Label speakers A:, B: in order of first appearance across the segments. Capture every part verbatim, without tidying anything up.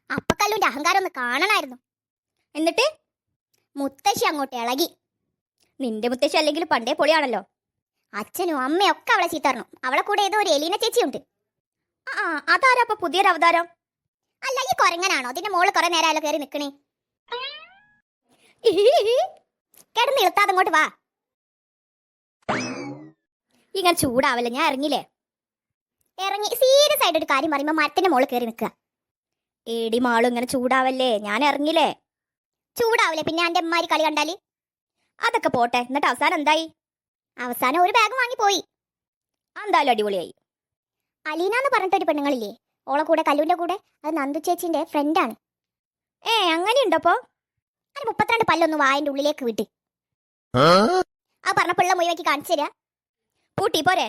A: അപ്പക്കല്ലുവിന്റെ അഹങ്കാരം ഒന്ന് കാണണമായിരുന്നു. എന്നിട്ട് മുത്തശ്ശി അങ്ങോട്ട് ഇളകി. നിന്റെ മുത്തശ്ശി അല്ലെങ്കിൽ പണ്ടേ പൊളിയാണല്ലോ. അച്ഛനും അമ്മയും ഒക്കെ അവളെ ചീത്തറഞ്ഞു. അവളെ കൂടെ ഏതോ ഒരു എലീന ചേച്ചിയുണ്ട്. ആ അതാരാ അപ്പൊ പുതിയൊരു അവതാരം? അല്ല, ഈ കൊരങ്ങനാണോ? അതിന്റെ മോള് കുറെ നേരമായാലോ കയറി നിക്കണേ. കിടന്ന് ഇളുത്താതെ അങ്ങോട്ട് വാ. ഇങ്ങനെ ചൂടാവല്ലേ, ഞാൻ ഇറങ്ങില്ലേ? ഇറങ്ങി സീരിയസ് ആയിട്ട് ഒരു കാര്യം പറയുമ്പോ മരത്തിന്റെ മോള് കയറി നിൽക്കുക. ഏടി മാളും ഇങ്ങനെ ചൂടാവല്ലേ, ഞാൻ ഇറങ്ങില്ലേ? ചൂടാവില്ലേ പിന്നെ എന്റെ അമ്മമാരി കളി കണ്ടാല്? അതൊക്കെ പോട്ടെ, എന്നിട്ട് അവസാനം എന്തായി? അവസാനം ഒരു ബാഗ് വാങ്ങിപ്പോയി. എന്തായാലും അടിപൊളിയായി. അലീന എന്ന് പറഞ്ഞിട്ടൊരു പെണ്ണുങ്ങളില്ലേ, ഓളെ കൂടെ കല്ലുവിന്റെ കൂടെ, അത് നന്ദു ചേച്ചിന്റെ ഫ്രണ്ടാണ്. ഏ അങ്ങനെയുണ്ടപ്പോ? അത് മുപ്പത്തിരണ്ട് പല്ലൊന്ന് വായന്റെ ഉള്ളിലേക്ക് വിട്ട് ആ പറഞ്ഞ പിള്ള മുഴുവക്കി കാണിച്ചു തരാ. പൂട്ടി പോരെ?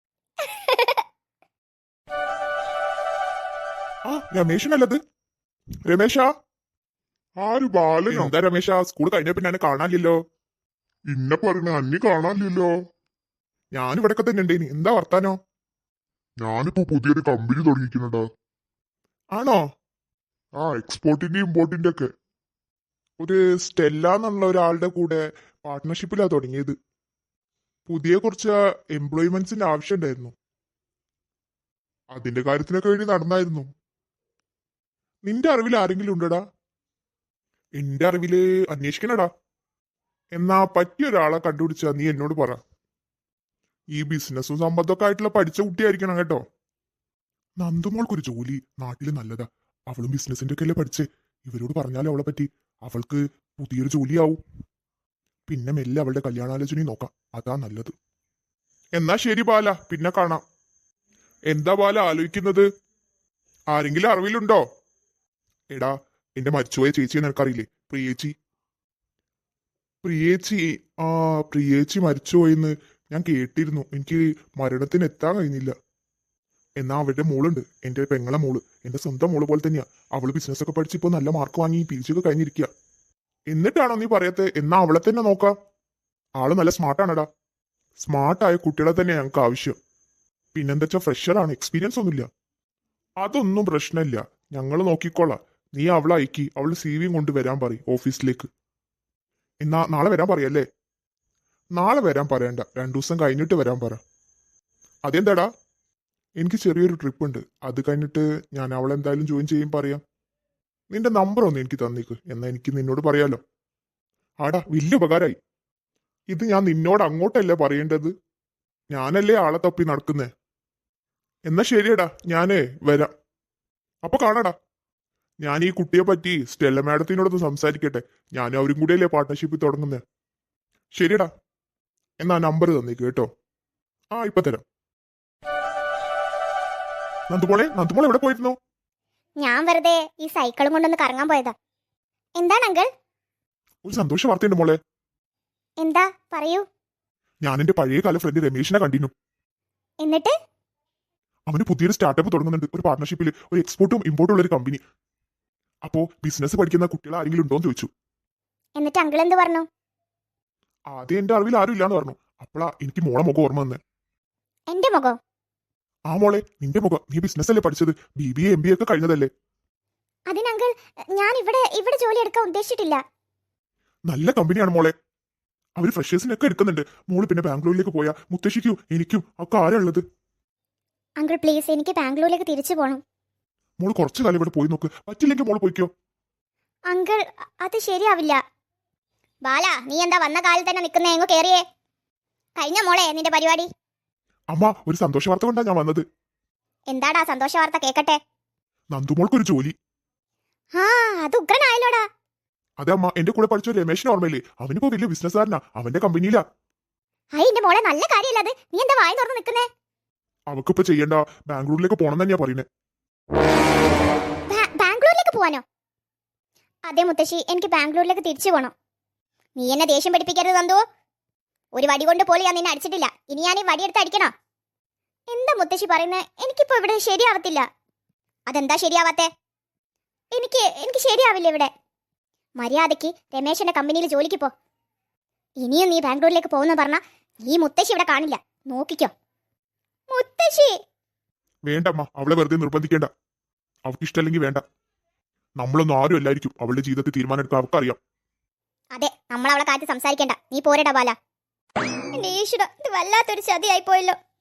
B: രമേശനല്ലത്? രമേശ, ആര് ബാലനോ? എന്താ രമേശ, സ്കൂൾ കഴിഞ്ഞ പിന്നെ കാണാനില്ലല്ലോ.
C: ഇന്നെ പറഞ്ഞ അന്നി കാണാനില്ലല്ലോ.
B: ഞാനിവിടൊക്കെ തന്നെ ഉണ്ടേനി. എന്താ വർത്താനോ?
C: ഞാനിപ്പോ പുതിയൊരു കമ്പനി തുടങ്ങിക്കുന്നുണ്ടാ.
B: ആണോ?
C: ആ എക്സ്പോർട്ടിന്റെ ഇമ്പോർട്ടിന്റെ ഒക്കെ.
B: ഒരു സ്റ്റെല്ല എന്നുള്ള ഒരാളുടെ കൂടെ പാർട്ട്ണർഷിപ്പിലാ തുടങ്ങിയത്. പുതിയ കുറച്ച് എംപ്ലോയ്മെന്റ്സിന്റെ ആവശ്യം ഉണ്ടായിരുന്നു. അതിന്റെ കാര്യത്തിനൊക്കെ വേണ്ടി നടന്നായിരുന്നു. നിന്റെ അറിവിൽ ആരെങ്കിലും ഉണ്ടടാ? എന്റെ അറിവില് അന്വേഷിക്കണടാ. എന്നാ പറ്റിയ ഒരാളെ കണ്ടുപിടിച്ചാ നീ എന്നോട് പറ. ഈ ബിസിനസ്സും സമ്പത്തൊക്കെ ആയിട്ടുള്ള പഠിച്ച കുട്ടിയായിരിക്കണം കേട്ടോ. നന്ദുമോൾക്കൊരു ജോലി നാട്ടില് നല്ലതാ. അവളും ബിസിനസിന്റെ ഒക്കെ അല്ലേ പഠിച്ചേ. ഇവരോട് പറഞ്ഞാലേ അവളെ പറ്റി അവൾക്ക് പുതിയൊരു ജോലിയാവും. പിന്നെ മെല്ലെ അവളുടെ കല്യാണാലോചനയും നോക്കാം. അതാ നല്ലത്. എന്നാ ശരി ബാല, പിന്നെ കാണാം. എന്താ ബാല ആലോചിക്കുന്നത്? ആരെങ്കിലും അറിവിലുണ്ടോ? എടാ, എന്റെ മരിച്ചുപോയ ചേച്ചിയെ നിനക്കറിയില്ലേ? പ്രിയേച്ചി. പ്രിയേച്ചി ആ പ്രിയേച്ചി മരിച്ചുപോയെന്ന് ഞാൻ കേട്ടിരുന്നു. എനിക്ക് മരണത്തിന് എത്താൻ കഴിഞ്ഞില്ല. എന്നാ അവരുടെ മോളുണ്ട്, എന്റെ പെങ്ങളെ മോള്. എന്റെ സ്വന്തം മോള് പോലെ തന്നെയാ. അവള് ബിസിനസ് ഒക്കെ പഠിച്ചിപ്പോ നല്ല മാർക്ക് വാങ്ങി പി ജി ഒക്കെ കഴിഞ്ഞിരിക്കുക. എന്നിട്ടാണോ നീ പറയത്തെ? എന്നാ അവളെ തന്നെ നോക്കാം. ആള് നല്ല സ്മാർട്ടാണെടാ. സ്മാർട്ടായ കുട്ടികളെ തന്നെ ഞങ്ങൾക്ക് ആവശ്യം. പിന്നെന്താ വെച്ചാൽ ഫ്രഷറാണ്, എക്സ്പീരിയൻസ് ഒന്നുമില്ല. അതൊന്നും പ്രശ്നമില്ല, ഞങ്ങൾ നോക്കിക്കോളാം. നീ അവളെ അയക്കി അവള് സി വിയും കൊണ്ട് വരാൻ പറയും ഓഫീസിലേക്ക്. എന്നാ നാളെ വരാൻ പറയല്ലേ? നാളെ വരാൻ പറയണ്ട, രണ്ടു ദിവസം കഴിഞ്ഞിട്ട് വരാൻ പറ. അതെന്താടാ? എനിക്ക് ചെറിയൊരു ട്രിപ്പ് ഉണ്ട്, അത് കഴിഞ്ഞിട്ട് ഞാൻ അവളെ എന്തായാലും ജോയിൻ ചെയ്യും പറയാം. നിന്റെ നമ്പർ ഒന്ന് എനിക്ക് തന്നേക്ക്, എന്നാ എനിക്ക് നിന്നോട് പറയാലോ. ആടാ, വലിയ ഉപകാരമായി. ഇത് ഞാൻ നിന്നോട് അങ്ങോട്ടല്ലേ പറയേണ്ടത്? ഞാനല്ലേ ആളെ തപ്പി നടക്കുന്നേ. എന്നാ ശരിയടാ, ഞാനേ വരാം. അപ്പൊ കാണാടാ. ഞാൻ ഈ കുട്ടിയെ പറ്റി സ്റ്റെല്ല മാഡത്തിനോടൊന്ന് സംസാരിക്കട്ടെ. ഞാനും അവരും കൂടെയല്ലേ പാർട്ട്ണർഷിപ്പ് തുടങ്ങുന്നേ. ശരിയടാ, എന്നാ നമ്പർ തന്നേക്ക് കേട്ടോ. ആ ഇപ്പൊ തരാം. നന്ദുമോളെ, നന്ദുമോളെ എവിടെ പോയിരുന്നു?
A: ഞാൻ വെറുതെ ഈ സൈക്കിളും കൊണ്ടൊന്ന് കറങ്ങാൻ പോയതാ. എന്താണ് അങ്കിൾ?
B: ഒരു സന്തോഷ വാർത്തയുണ്ട് മോളെ.
A: എന്താ പറയൂ.
B: ഞാൻ എന്റെ പഴയ കാല ഫ്രണ്ട് രമേശിനെ കണ്ടിരുന്നു.
A: എന്നിട്ട്?
B: അവന് പുതിയൊരു സ്റ്റാർട്ടപ്പ് തുടങ്ങുന്നുണ്ട്, ഒരു പാർട്ട്ണർഷിപ്പിൽ, ഒരു എക്സ്പോർട്ടും ഇമ്പോർട്ടും ഉള്ള ഒരു കമ്പനി. അപ്പോ ബിസിനസ് പഠിക്കുന്ന കുട്ടികൾ ആരെങ്കിലും ഉണ്ടോന്ന് ചോദിച്ചു.
A: എന്നിട്ട് അങ്കിൾ എന്ത് പറഞ്ഞു?
B: ആദ്യം എന്റെ അറിവിൽ ആരും ഇല്ലാന്ന് പറഞ്ഞു. അപ്പളാ എനിക്ക് മോളെ മുഖം ഓർമ്മ വന്നേ.
A: എന്റെ മുഖം?
B: ആ മോളെ, നിന്റെ മുഖം. നീ ബിസിനസ് അല്ലേ പഠിച്ചത്? B B A M B A ഒക്കെ കഴിഞ്ഞതല്ലേ?
A: അതിന് അങ്കിൾ, ഞാൻ ഇവിടെ ഇവിടെ ജോലി എടുക്കാൻ ഉദ്ദേശിച്ചിട്ടില്ല.
B: നല്ല കമ്പനിയാണ് മോളെ. അവര് ഫ്രഷേഴ്സിനൊക്കെ എടുക്കുന്നുണ്ട്. മോള് പിന്നെ ബാംഗ്ലൂരിലേക്ക് പോയാ മുത്തശ്ശിക്കും എനിക്കും ഒക്കെ ആരാ ഉള്ളത്?
A: അങ്കിൾ പ്ലീസ്, എനിക്ക് ബാംഗ്ലൂരിലേക്ക് തിരിച്ചു പോകണം.
B: മോള് കുറച്ചു കാലം ഇവിടെ പോയി നോക്ക്. പറ്റില്ലെങ്കിൽ മോള് പോയിക്കോ.
A: അങ്കിൾ, അത് ശരിയാവില്ല. ബാല, നീ എന്താ വന്ന കാലിൽ തന്നെ നിൽക്കുന്നേ? എങ്ങോ കേറിയേ. കഴിഞ്ഞ മോളെ നിന്റെ പരിപാടി?
B: അമ്മ, ഒരു സന്തോഷ വാർത്ത കൊണ്ടാ ഞാൻ വന്നത്.
A: എന്താടാ സന്തോഷ വാർത്ത, കേക്കട്ടെ.
B: നന്ദുമോൾക്കൊരു ജോലി.
A: ആ അത് ഉഗ്രനായല്ലോടാ.
B: അതെ അമ്മ, എന്റെ കൂടെ പഠിച്ച രമേശിന് ഓർമ്മയില്ലേ? അവനിപ്പോ വലിയ ബിസിനസ്സുകാരനാ, അവന്റെ കമ്പനിയിലാ.
A: ഹൈ, എന്റെ മോളെ നല്ല കാര്യമല്ല അത്. നീ എന്താ വായി തുറന്ന് നിൽക്കുന്നേ?
B: അവക്കിപ്പോ ചെയ്യണ്ട, ബാംഗ്ലൂരിലേക്ക് പോണം തന്നെയാ പറയുന്നേ.
A: ബാംഗ്ലൂരിലേക്ക് പോവാനോ? അതെ മുത്തശ്ശി, എനിക്ക് ബാംഗ്ലൂരിലേക്ക് തിരിച്ചു പോകണം. നീ എന്നെ ദേഷ്യം പഠിപ്പിക്കരുത് നന്ദു. ഒരു വടി കൊണ്ട് പോലും ഞാൻ നിന്നെ അടിച്ചിട്ടില്ല. ഇനി ഞാൻ ഈ വടിയെടുത്ത് അടിക്കണോ? എന്താ മുത്തശ്ശി പറയുന്നത്? എനിക്കിപ്പോ ഇവിടെ ശരിയാവത്തില്ല. അതെന്താ ശരിയാവാത്തെ? എനിക്ക് എനിക്ക് ശരിയാവില്ല ഇവിടെ. മര്യാദയ്ക്ക് രമേശന്റെ കമ്പനിയിൽ ജോലിക്ക് പോ. ഇനിയും നീ ബാംഗ്ലൂരിലേക്ക് പോകുന്ന പറഞ്ഞാ ഈ മുത്തശ്ശി ഇവിടെ കാണില്ല, നോക്കിക്കോ. മുത്തശ്ശി!
B: വേണ്ടമ്മ, അവളെ വെറുതെ നിർബന്ധിക്കേണ്ട. അവൾക്ക് ഇഷ്ടമല്ലെങ്കിൽ വേണ്ട. നമ്മളൊന്നും ആരും അല്ലായിരിക്കും അവളുടെ ജീവിതത്തിൽ തീരുമാനം എടുക്കാൻ അവർക്കറിയാം.
A: അതെ, നമ്മൾ അവളെ കാറ്റ് സംസാരിക്കണ്ട. നീ പോരടാ ബാല. എന്റെ ഈശ്വര, ഇത് വല്ലാത്തൊരു ചതിയായി പോയല്ലോ.